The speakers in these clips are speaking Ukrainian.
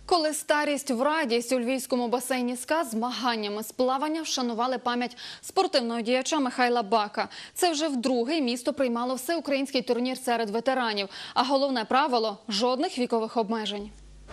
Коли старість в радість, у львівському басейні СКА змаганнями з плавання вшанували пам'ять спортивного діяча Михайла Бака. Це вже вдруге місто приймало всеукраїнський турнір серед ветеранів. А головне правило – жодних вікових обмежень.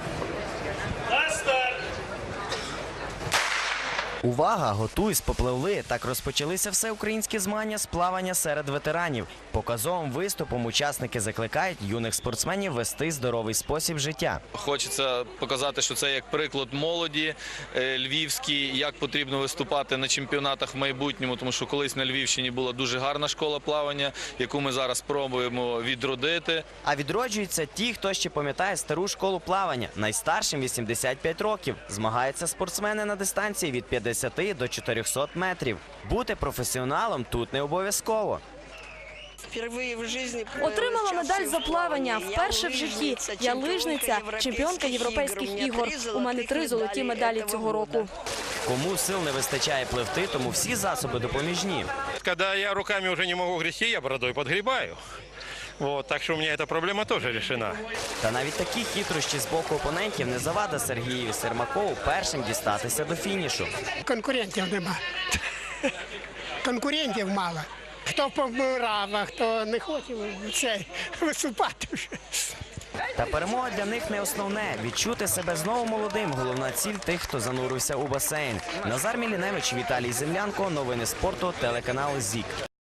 Увага! Готуйсь, попливли! Так розпочалися всеукраїнські змагання з плавання серед ветеранів. Показовим виступом учасники закликають юних спортсменів вести здоровий спосіб життя. Хочеться показати, що це як приклад молоді львівській, як потрібно виступати на чемпіонатах в майбутньому, тому що колись на Львівщині була дуже гарна школа плавання, яку ми зараз пробуємо відродити. А відроджуються ті, хто ще пам'ятає стару школу плавання. Найстаршим 85 років. Змагаються спортсмени на дистанції від 50 до 400 метрів. Бути професіоналом тут не обов'язково. Отримала медаль за плавання. Вперше в житті. Я лижниця, чемпіонка європейських ігор. У мене 3 золоті медалі цього року. Кому сил не вистачає пливти, тому всі засоби допоміжні. Коли я руками вже не можу грести, я бородою підгрібаю. Так що у мене ця проблема теж вирішена. Та навіть такі хитрощі з боку опонентів не завада Сергієві Сермакову першим дістатися до фінішу. Конкурентів нема. Конкурентів мало. Хто помирав, а хто не хоче виступати вже. Та перемога для них не основне. Відчути себе знову молодим – головна ціль тих, хто занурився у басейн. Назар Міліневич, Віталій Землянко. Новини спорту, телеканал ЗІК.